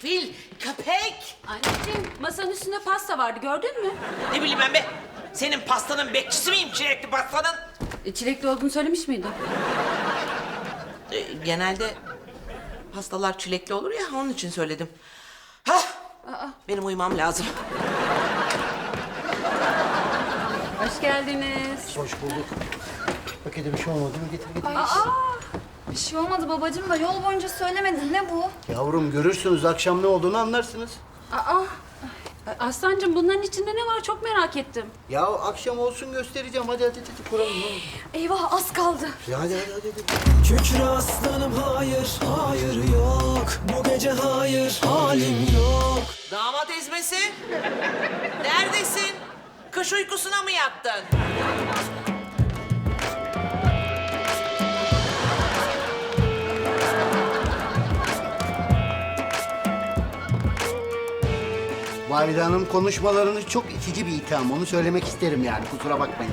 fil, köpek. Anneciğim masanın üstünde pasta vardı gördün mü? Ne bileyim ben be. Senin pastanın bekçisi miyim, çilekli pastanın? Çilekli olduğunu söylemiş miydin? Genelde pastalar çilekli olur ya, onun için söyledim. Hah! Benim uyumam lazım. Hoş geldiniz. Hoş bulduk. Pakete bir şey olmadı mı? Getir getir. Bir şey olmadı babacığım da yol boyunca söylemedin. Ne bu? Yavrum görürsünüz, akşam ne olduğunu anlarsınız. Aslancığım bunların içinde ne var çok merak ettim. Ya akşam olsun göstereceğim. Hadi kuralım ne olur. Eyvah az kaldı. Ya hadi. Kükre aslanım hayır, hayır yok. Bu gece hayır, halim yok. Damat ezmesi. Neredesin? Kış uykusuna mı yattın? Valide Hanım konuşmalarınız çok itici bir itham. Onu söylemek isterim yani. Kusura bakmayın.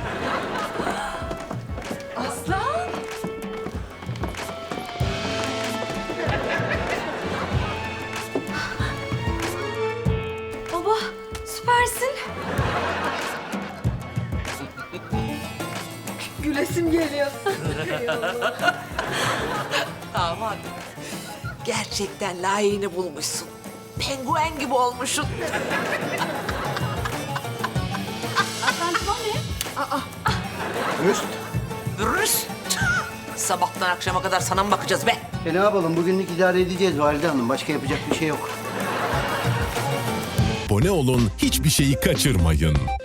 Aslan. Baba süpersin. Gülesim geliyor. Damat. Gerçekten layığını bulmuşsun. Penguen gibi olmuşsun. Aslancığım o ne? Rüst. Rüst. Sabahtan akşama kadar sana mı bakacağız be? Ne yapalım? Bugünlük idare edeceğiz Valide Hanım. Başka yapacak bir şey yok. Abone olun, hiçbir şeyi kaçırmayın.